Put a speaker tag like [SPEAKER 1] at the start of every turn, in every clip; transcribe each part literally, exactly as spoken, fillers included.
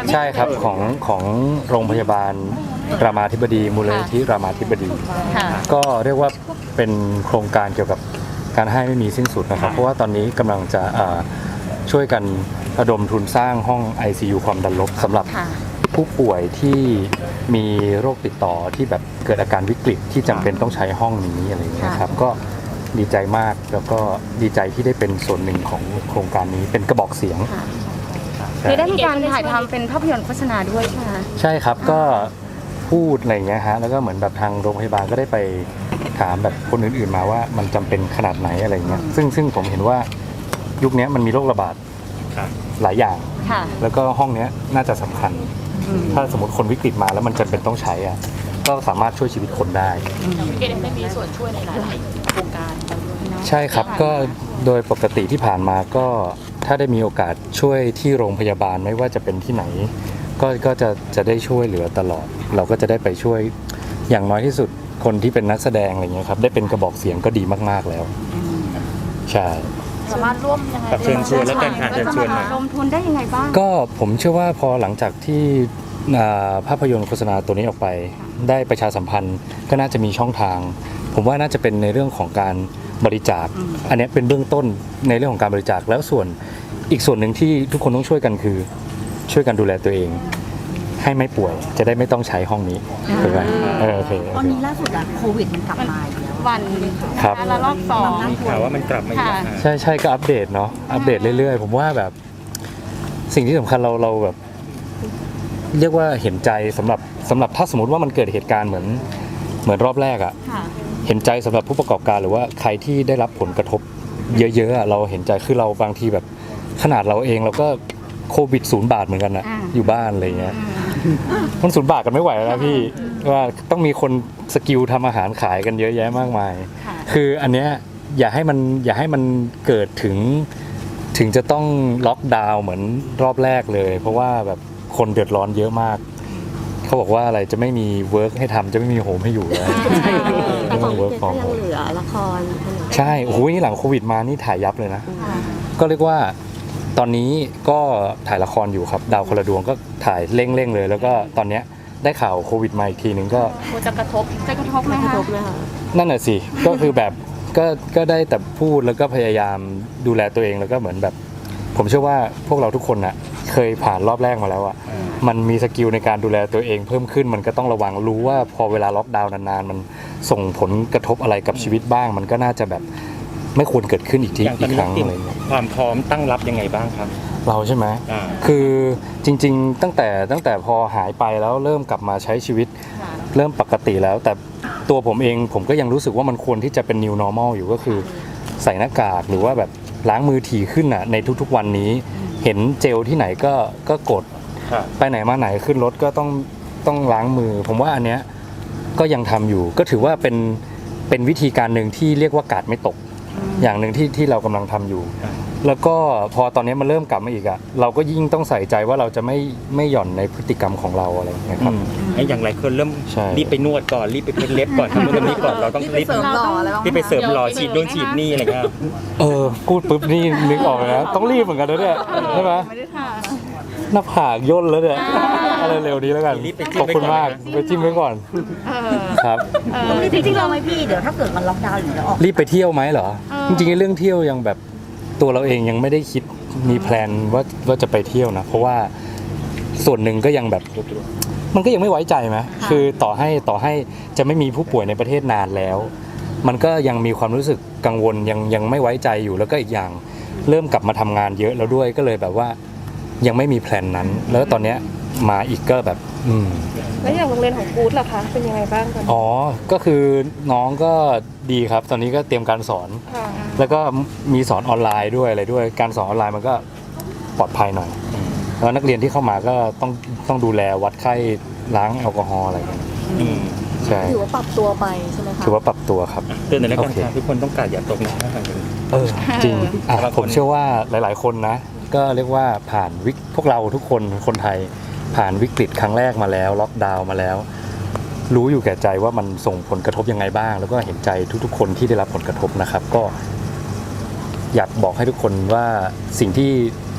[SPEAKER 1] ใช่ครับของของโรงพยาบาลรามาธิบดีมูลนิธิรามาธิบดีก็เรียกว่าเป็นโครงการเกี่ยวกับการให้ไม่มีสิ้นสุดนะครับเพราะว่าตอนนี้กำลังจะช่วยกันระดมทุนสร้างห้อง ไอ ซี ยู ความดันลบสำหรับผู้ป่วยที่มีโรคติดต่อที่แบบเกิดอาการวิกฤตที่จำเป็นต้องใช้ห้องนี้อะไรอย่างเงี้ยครับก็ดีใจมากแล้วก็ดีใจที่ได้เป็นส่วนหนึ่งของโครงการนี้เป็นกระบอกเสียง
[SPEAKER 2] คือได้มีการถ่ายทำเป็นภาพยนตร์โฆษณาด้วยใช่ไหมคะ
[SPEAKER 1] ใช่ครับก็พูดอะไรอย่างเงี้ยฮะแล้วก็เหมือนแบบทางโรงพยาบาลก็ได้ไปถามแบบคนอื่นๆมาว่ามันจำเป็นขนาดไหนอะไรเงี้ยซึ่งซึ่งผมเห็นว่ายุคนี้มันมีโรคระบาดหลายอย่างแล้วก็ห้องนี้น่าจะสำคัญถ้าสมมติคนวิกฤตมาแล้วมันจำเป็นต้องใช้อ่ะก็สามารถช่วยชีวิตคนได้
[SPEAKER 3] เกดได้มีส่วนช่วยในหลายๆโครงการ
[SPEAKER 1] ใช่ครับก็โดยปกติที่ผ่านมาก็ถ้าได้มีโอกาสช่วยที่โรงพยาบาลไม่ว่าจะเป็นที่ไหนก็ก็จะจะได้ช่วยเหลือตลอดเราก็จะได้ไปช่วยอย่างน้อยที่สุดคนที่เป็นนักแสดงอะไรเงี้ยครับได้เป็นกระบอกเสียงก็ดีมากๆแล้วใช่
[SPEAKER 3] สามารถร่วมยังไง
[SPEAKER 4] เชิญชวนแล้วกันค่ะเชิญชวนหน่อย
[SPEAKER 2] ลงทุนได้ยังไงบ้าง
[SPEAKER 1] ก็ผมเชื่อว่าพอหลังจากที่ภาพยนตร์โฆษณาตัวนี้ออกไปได้ประชาสัมพันธ์ก็น่าจะมีช่องทางผมว่าน่าจะเป็นในเรื่องของการบริจาคอันนี้เป็นเบื้องต้นในเรื่องของการบริจาคแล้วส่วนอีกส่วนหนึ่งที่ทุกคนต้องช่วยกันคือช่วยกันดูแลตัวเองให้ไม่ป่วยจะได้ไม่ต้องใช้ห้องนี้ถูกไหมเออโอเค
[SPEAKER 5] ตอนนี้ล่าสุดอะโควิดมันกลับมาอีกแล้ว
[SPEAKER 2] วัน
[SPEAKER 1] ครับ
[SPEAKER 2] ละรอบสอง
[SPEAKER 4] มีข่าวว่ามันกลับมาอีกแล้ว
[SPEAKER 1] ใช่ใช่ก็อัปเดตเนาะอัปเดตเรื่อยๆผมว่าแบบสิ่งที่สำคัญเราเราแบบเรียกว่าเห็นใจสำหรับสำหรับถ้าสมมติว่ามันเกิดเหตุการณ์เหมือนเหมือนรอบแรกอะเห็นใจสำหรับผู้ประกอบการหรือว่าใครที่ได้รับผลกระทบเยอะๆเราเห็นใจคือเราบางทีแบบขนาดเราเองเราก็โควิดศูนย์บาทเหมือนกันนะอยู่บ้านอะไรเงี้ยมันศูนย์บาทกันไม่ไหวแล้วพี่ว่าต้องมีคนสกิลทำอาหารขายกันเยอะแยะมากมายคืออันเนี้ยอย่าให้มันอย่าให้มันเกิดถึงถึงจะต้องล็อกดาวน์เหมือนรอบแรกเลยเพราะว่าแบบคนเดือดร้อนเยอะมากเขาบอกว่าอะไรจะไม่มีเวิร์กให้ทำจะไม่มีโฮมให้อยู่แล้ว
[SPEAKER 5] แต่ของเด็กก็ยังเหลือละคร
[SPEAKER 1] ใช่โอ้โหนี่หลังโควิดมานี่ถ่ายยับเลยนะก็เรียกว่าตอนนี้ก็ถ่ายละครอยู่ครับดาวคนละดวงก็ถ่ายเร่งๆเลยแล้วก็ตอนเนี้ยได้ข่าวโควิดมาอีกทีนึงก็
[SPEAKER 2] จะกระทบจะกระทบไหมคะ
[SPEAKER 1] นั่นแหละสิก็คือแบบก็ก็ได้แต่พูดแล้วก็พยายามดูแลตัวเองแล้วก็เหมือนแบบผมเชื่อว่าพวกเราทุกคนน่ะเคยผ่านรอบแรกมาแล้วอ่ะมันมีสกิลในการดูแลตัวเองเพิ่มขึ้นมันก็ต้องระวังรู้ว่าพอเวลาล็อกดาวน์นานๆมันส่งผลกระทบอะไรกับชีวิตบ้างมันก็น่าจะแบบไม่ควรเกิดขึ้นอีกทีอีกครั้งอะไรเงี้ย
[SPEAKER 4] ความพร้อมตั้งรับยังไงบ้างครับ
[SPEAKER 1] เราใช่ไหมคือจริงๆตั้งแต่ตั้งแต่พอหายไปแล้วเริ่มกลับมาใช้ชีวิตเริ่มปกติแล้วแต่ตัวผมเองผมก็ยังรู้สึกว่ามันควรที่จะเป็น new normal อยู่ก็คือใส่หน้ากากหรือว่าแบบล้างมือถี่ขึ้นอ่ะในทุกๆวันนี้เห็นเจลที่ไหนก็ก็กดไปไหนมาไหนขึ้นรถก็ต้องต้องล้างมือผมว่าอันเนี้ยก็ยังทำอยู่ก็ถือว่าเป็นเป็นวิธีการหนึ่งที่เรียกว่ากาดไม่ตกอย่างหนึ่งที่ที่เรากำลังทำอยู่แล้วก็พอตอนนี้มันเริ่มกลับมาอีกอ่ะเราก็ยิ่งต้องใส่ใจว่าเราจะไม่ไม่หย่อนในพฤติกรรมของเราอะไรอย่างเงี้ยครับ
[SPEAKER 4] ไอ้อย่างไรคนเริ่มรีบไปนวดก่อนรีบไปเพ้นเล็บก่อนทำนู่นทำนี่ก่อนเราต้องรีบ
[SPEAKER 5] เสริมหล่ออะไรบ้าง
[SPEAKER 4] รีบไปเสริมหล่อฉีดโดนฉีดนี่อะไรเงี้ย
[SPEAKER 1] เออพูดปุ๊บนี่นึกออกเลยนะต้องรีบเหมือนกันนะเนี่ยใช่ไหมหน้าผากย่นแล้วเนี่ยอะไรเร็วนี้แล้วกันขอบคุณมากไปจิ้มไว้ก่อนครับ
[SPEAKER 5] จริงๆเราไหมพี่เดี๋ยวถ้าเกิดมันล็อกดาวน์อยู่จะออก
[SPEAKER 1] รีบไปเที่ยวไหมเหรอจริงๆเรื่องเที่ยวยังแบบตัวเราเองยังไม่ได้คิดมีแพลนว่าว่าจะไปเที่ยวนะเพราะว่าส่วนหนึ่งก็ยังแบบมันก็ยังไม่ไว้ใจไหมคือต่อให้ต่อให้จะไม่มีผู้ป่วยในประเทศนานแล้วมันก็ยังมีความรู้สึกกังวลยังยังไม่ไว้ใจอยู่แล้วก็อีกอย่างเริ่มกลับมาทำงานเยอะแล้วด้วยก็เลยแบบว่ายังไม่มีแพลนนั้นแล้วตอนเนี้ยมาอีกก็แบบอืม
[SPEAKER 2] แล้วอย่างโรงเรียนของกู๊ดล่ะคะเป็นยังไงบ้างกัน
[SPEAKER 1] อ๋อก็คือน้องก็ดีครับตอนนี้ก็เตรียมการสอนแล้วก็มีสอนออนไลน์ด้วยอะไรด้วยการสอนออนไลน์มันก็ปลอดภัยหน่อยแล้วนักเรียนที่เข้ามาก็ต้องต้องดูแลวัดไข้ล้างแอลกอฮอล์อะไรกันใช่
[SPEAKER 5] ถือว่าปรับตัวไปใช่ไหมคะ
[SPEAKER 1] ถือว่าปรับตัวครับ
[SPEAKER 4] เตือนในรายการทุกคนต้องการอย่าตกนะ
[SPEAKER 1] เออจริงผมเชื่อว่าหลายๆคนนะก็เรียกว่าผ่านวิกพวกเราทุกคนคนไทยผ่านวิกฤตครั้งแรกมาแล้วล็อกดาวน์มาแล้วรู้อยู่แก่ใจว่ามันส่งผลกระทบยังไงบ้างแล้วก็เห็นใจทุกๆคนที่ได้รับผลกระทบนะครับก็อยากบอกให้ทุกคนว่าสิ่งที่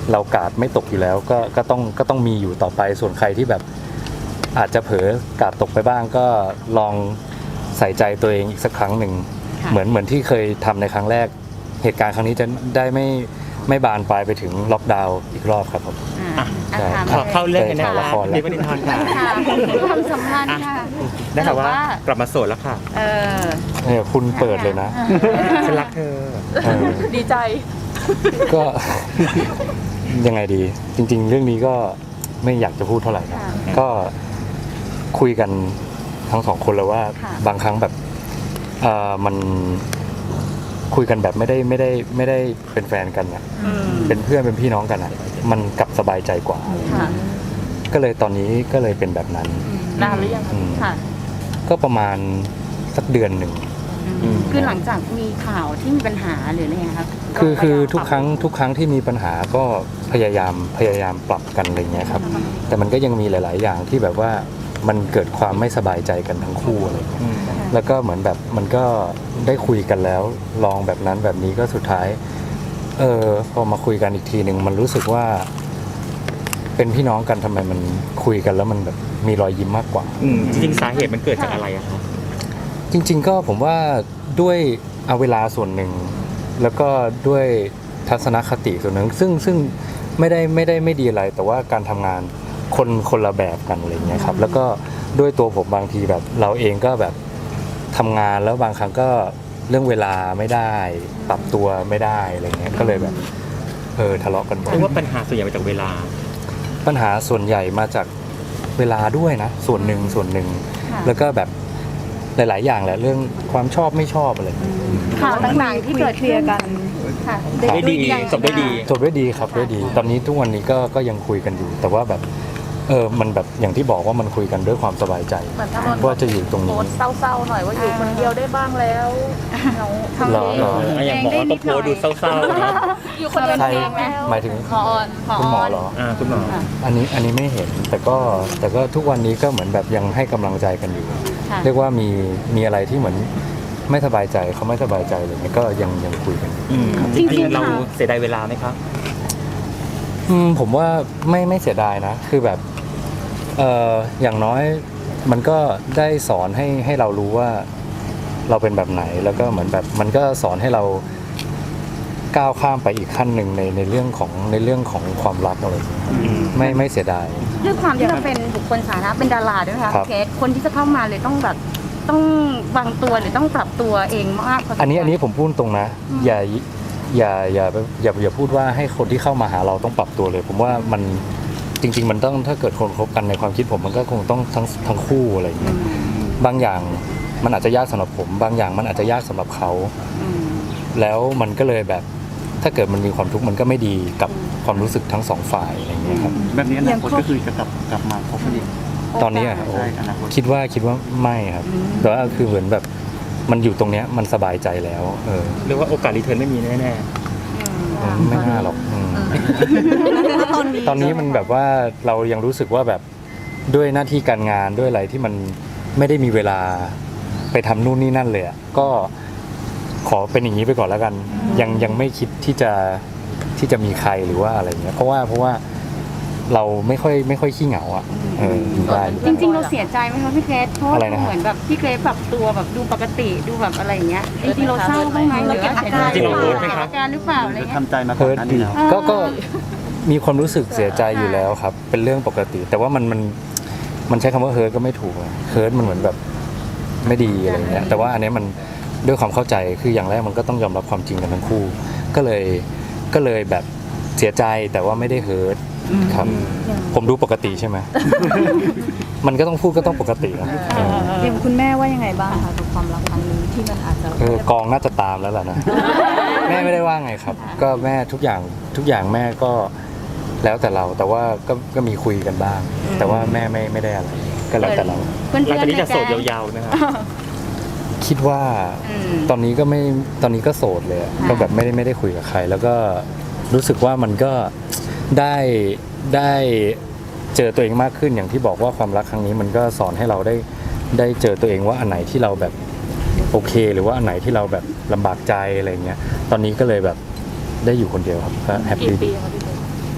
[SPEAKER 1] เรากาดไม่ตกอยู่แล้วก็ก็ต้องก็ต้องมีอยู่ต่อไปส่วนใครที่แบบอาจจะเผลอกาดตกไปบ้างก็ลองใส่ใจตัวเองอีกสักครั้งหนึ่ง
[SPEAKER 2] ค่ะ
[SPEAKER 1] เหมือนเหมือนที่เคยทำในครั้งแรกเหตุการณ์ครั้งนี้จะได้ไม่ไม่บานปลายไปถึงล็อกดาวน์อีกรอบครับผม
[SPEAKER 2] อ่า
[SPEAKER 1] ใช่
[SPEAKER 2] อ่ะถาม
[SPEAKER 4] ขอเข้าเรื่องกันนะ
[SPEAKER 1] ถ่ายละครแล้ว
[SPEAKER 4] ดีประเด็นทอนค่ะ
[SPEAKER 2] ค่ะความสัมพันธ์ค่ะ
[SPEAKER 4] ได้ค่ะว่า
[SPEAKER 2] แต่ว่า
[SPEAKER 4] กลับมาโสดแล้วค่ะ
[SPEAKER 2] เออ
[SPEAKER 1] เนี่ยคุณเปิดเลยนะ
[SPEAKER 4] ฉันรักเธอ
[SPEAKER 1] เออ
[SPEAKER 3] ดีใจ
[SPEAKER 1] ก็ ยังไงดี จริง ๆ เรื่องนี้ก็ไม่อยากจะพูดเท่าไหร่นะ
[SPEAKER 2] ค่ะ
[SPEAKER 1] ก็คุยกันทั้งสองคนแล้วว่า
[SPEAKER 2] ค่ะ
[SPEAKER 1] บางครั้งแบบเออมันคุยกันแบบไม่ได้ไม่ได้ไม่ได้เป็นแฟนกันอ่ะ
[SPEAKER 2] อืม
[SPEAKER 1] เป็นเพื่อนเป็นพี่น้องกันอ่ะ มันกลับสบายใจกว่า
[SPEAKER 2] ค่ะ
[SPEAKER 1] ก็เลยตอนนี้ก็เลยเป็นแบบนั้น
[SPEAKER 3] นานหรือยังคะ
[SPEAKER 1] อืม
[SPEAKER 2] ค่ะ
[SPEAKER 1] ก็ประมาณสักเดือนหนึ่ง
[SPEAKER 2] อืมคือหลังจากมีข่าวที่มีปัญหาหรืออะไรเงี้ยครับ
[SPEAKER 1] คือคือ
[SPEAKER 2] พยายาม
[SPEAKER 1] ทุกครั้งทุกครั้งที่มีปัญหาก็พยายามพยายามปรับกันอะไรเงี้ยครับ แต่มันก็ยังมีหลาย ๆ อย่างที่แบบว่ามันเกิดความไม่สบายใจกันทั้งคู่อะไรเงี้ย
[SPEAKER 4] อืม
[SPEAKER 1] แล้วก็เหมือนแบบมันก็ได้คุยกันแล้ว ลองแบบนั้นแบบนี้ก็สุดท้าย เออพอมาคุยกันอีกทีหนึ่งมันรู้สึกว่า เป็นพี่น้องกันทำไมมันคุยกันแล้วมันแบบมีรอยยิ้มมากกว่า
[SPEAKER 4] อืมจริงๆสาเหตุมันเกิดจากอะไรอะคะ
[SPEAKER 1] จริง ๆ ก็ผมว่าด้วยเอาเวลาส่วนหนึ่ง แล้วก็ด้วยทัศนคติส่วนหนึ่ง ซึ่งซึ่งไม่ได้ไม่ได้ไม่ดีอะไร แต่ว่าการทำงานคนคนละแบบกันอะไรเงี้ยครับ แล้วก็ด้วยตัวผมบางทีแบบ เราเองก็แบบทำงานแล้วบางครั้งก็เรื่องเวลาไม่ได้ ปรับตัวไม่ได้อะไรเงี้ยก็เลยแบบเออทะเลาะกันบ่อย
[SPEAKER 4] เพราะว่าปัญหาส่วนใหญ่มาจากเวลา
[SPEAKER 1] ปัญหาส่วนใหญ่มาจากเวลาด้วยนะ ส่วนหนึ่งส่วนหนึ่ง
[SPEAKER 2] ค่ะ
[SPEAKER 1] แล้วก็แบบหลาย ๆ อย่างแหละเรื่องความชอบไม่ชอบอะไรเงี้ย
[SPEAKER 2] ข่าวต่างๆที่เกิดขึ้นค่ะ
[SPEAKER 4] ได้ดีจบได้ดี
[SPEAKER 1] จบด้วยดีครับด้วยดี ตอนนี้ทุกวันนี้ก็ก็ยังคุยกันอยู่ แต่ว่าแบบเออมันแบบอย่างที่บอกว่ามันคุยกันด้วยความสบายใจ
[SPEAKER 3] เหมือนถ้านนท์
[SPEAKER 1] ว่าจะอยู่ตรง
[SPEAKER 3] โพ
[SPEAKER 1] นี้
[SPEAKER 3] สต์เศร้าๆหน่อยว่าอยู่คนเดียวได้บ้างแล้วเหงา
[SPEAKER 2] ทำ
[SPEAKER 1] หรอ
[SPEAKER 2] เอง
[SPEAKER 1] หรอ
[SPEAKER 4] อ่ะอย่างหมอก็โพสต์ดูเศร้าๆนะ
[SPEAKER 3] อยู่คนเดียว
[SPEAKER 1] ใคร
[SPEAKER 3] เองแล้ว
[SPEAKER 1] หมายถึง
[SPEAKER 2] หมอออนหมอ
[SPEAKER 1] คุณหมอ
[SPEAKER 2] ออน
[SPEAKER 1] เหรอ
[SPEAKER 4] อ่าคุณหมอ
[SPEAKER 1] อันนี้อันนี้ไม่เห็น แต่ก็แต่ก็ทุกวันนี้ก็เหมือนแบบยังให้กำลังใจกันอยู่
[SPEAKER 2] ค่ะ
[SPEAKER 1] เรียกว่ามีมีอะไรที่เหมือนไม่สบายใจเขาไม่สบายใจอะไรเงี้ยก็ยังยังคุยกันอยู่
[SPEAKER 4] อืม
[SPEAKER 2] จริงๆ
[SPEAKER 4] จริงๆเรา
[SPEAKER 2] ค่ะ
[SPEAKER 4] เสียดายเวลาไหมครับ
[SPEAKER 1] อืมผมว่าไม่ไม่เสียดายนะ คือแบบเอออย่างน้อยมันก็ได้สอนให้ให้เรารู้ว่าเราเป็นแบบไหน แล้วก็เหมือนแบบมันก็สอนให้เราก้าวข้ามไปอีกขั้นหนึ่งในในเรื่องของในเรื่องของความรักอะไรอย่างเงี้ย
[SPEAKER 4] อืม
[SPEAKER 1] ไม่ไม่เสียดาย
[SPEAKER 2] ด้วยความที่เราเป็นบุคคลสาธารณะเป็นดาราด้วยนะคะ
[SPEAKER 1] ครับ
[SPEAKER 2] เคสคนที่จะเข้ามาเลยต้องแบบต้องวางตัวหรือต้องปรับตัวเองมากพสมควร
[SPEAKER 1] อันนี้อันนี้ผมพูดตรงนะ อย่าอย่าอย่าอย่าอย่าพูดว่าให้คนที่เข้ามาหาเราต้องปรับตัวเลย ผมว่ามันจริง ๆ มันต้องถ้าเกิดคนคบกันในความคิดผมมันก็คงต้องทั้งทั้งคู่อะไรอย่างเงี้ยบางอย่างมันอาจจะยากสำหรับผม บางอย่างมันอาจจะยากสำหรับเขา
[SPEAKER 2] อืม
[SPEAKER 1] แล้วมันก็เลยแบบถ้าเกิดมันมีความทุกข์มันก็ไม่ดีกับความรู้สึกทั้งสองฝ่ายอะไรอย่างเงี้ยครับ
[SPEAKER 6] แบบนี้อนาคตก็คือจะกลับกลับมาคบกันอีก
[SPEAKER 1] ตอนนี้อะโอ้
[SPEAKER 6] ใช่อนาคต
[SPEAKER 1] คิดว่าคิดว่าไม่ครับแต่ว่าคือเหมือนแบบมันอยู่ตรงเนี้ยมันสบายใจแล้วเออ
[SPEAKER 4] เรียกว่าโอกาสรีเทิร์นไม่มีแน่
[SPEAKER 1] อืมไม่น่าหรอกอืมตอนนี้มันแบบว่าเรายังรู้สึกว่าแบบด้วยหน้าที่การงานด้วยอะไรที่มันไม่ได้มีเวลาไปทำนู่นนี่นั่นเลยอะก็ขอเป็นอย่างนี้ไปก่อนแล้วกัน ยังยังไม่คิดที่จะที่จะมีใครหรือว่าอะไรเงี้ยเพราะว่าเพราะว่าเราไม่ค่อยไม่ค่อยขี้เหงาอ่ะเอออยู่ได้อยู่
[SPEAKER 2] จ
[SPEAKER 1] ได้
[SPEAKER 2] ริงๆเราเสียใจไหมคะพี่เกรซเพราะว่า
[SPEAKER 1] อะไรนะฮะ
[SPEAKER 2] เหมือนแบบพี่เกรซปรับตัวแบบดูปกติดูแบบอะไรอย่างเงี้ยจริงๆเราเศร้าบ้างไหมหรือว่าเสียใจ
[SPEAKER 4] จริงๆเราโพสต์ไหม
[SPEAKER 2] เก็บ
[SPEAKER 4] ครับ
[SPEAKER 2] อาการหรือเปล่าอะไร
[SPEAKER 6] จะ
[SPEAKER 2] เงี้ย
[SPEAKER 6] ทำใจมาก่อ
[SPEAKER 1] เฮิ
[SPEAKER 6] น
[SPEAKER 1] ร์ต
[SPEAKER 6] หน้า
[SPEAKER 1] ดี
[SPEAKER 6] นี้แล้ว
[SPEAKER 1] ก็ก็มีความรู้สึกเสียใจอยู่แล้วครับ เป็นเรื่องปกติ แต่ว่ามันมันมันใช้คำว่าเฮิร์ตก็ไม่ถูกอะเฮิร์ตมันเหมือนแบบไม่ดีอะไรเงี้ยแต่ว่าอันเนี้ยมันด้วยความเข้าใจคืออย่างแรกมันก็ต้องยอมรับความจริงกันทั้งคู่ ก็เลยก็เลยแบบเสียใจแต่ว่าไม่ได้เฮิร์ตครับ ผมดูปกติใช่ไหม มันก็ต้องพูดก็ต้องปกตินะเออ
[SPEAKER 5] อย่างคุณแม่ว่ายังไงบ้างคะกับความรักครั้งนี้ที่มันอาจจะ
[SPEAKER 1] เออกองน่าจะตามแล้วล่ะนะ แม่ไม่ได้ว่าไงครับ ก็แม่ทุกอย่างทุกอย่างแม่ก็แล้วแต่เรา แต่ว่าก็ก็มีคุยกันบ้าง แต่ว่าแม่ไม่ไม่ได้อะไร ก็แล้วแต่เรา
[SPEAKER 2] เพื่อน
[SPEAKER 4] ๆหลัง
[SPEAKER 2] ๆ
[SPEAKER 4] จากนี้
[SPEAKER 2] ใน
[SPEAKER 4] จะโสด
[SPEAKER 2] แก๊ง
[SPEAKER 4] ยาวๆนะครับ
[SPEAKER 1] คิดว่า
[SPEAKER 2] อืม
[SPEAKER 1] ตอนนี้ก็ไม่ตอนนี้ก็โสดเลยอะ
[SPEAKER 2] ค่ะ
[SPEAKER 1] ก็แบบไม่ได้ไม่ได้คุยกับใคร แล้วก็รู้สึกว่ามันก็ได้ได้เจอตัวเองมากขึ้นอย่างที่บอกว่าความรักครั้งนี้มันก็สอนให้เราได้ได้เจอตัวเองว่าอันไหนที่เราแบบโอเค หรือว่าอันไหนที่เราแบบลำบากใจอะไรเงี้ยตอนนี้ก็เลยแบบได้อยู่คนเดียวครับก็แฮป
[SPEAKER 3] กี่
[SPEAKER 1] ปี้
[SPEAKER 3] ปี
[SPEAKER 1] ดี
[SPEAKER 3] คะพี่เกรซ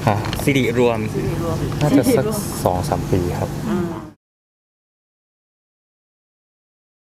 [SPEAKER 1] ฮะ
[SPEAKER 4] สิริรวม
[SPEAKER 1] น่าจะสักสองสามปีครับ
[SPEAKER 2] อืม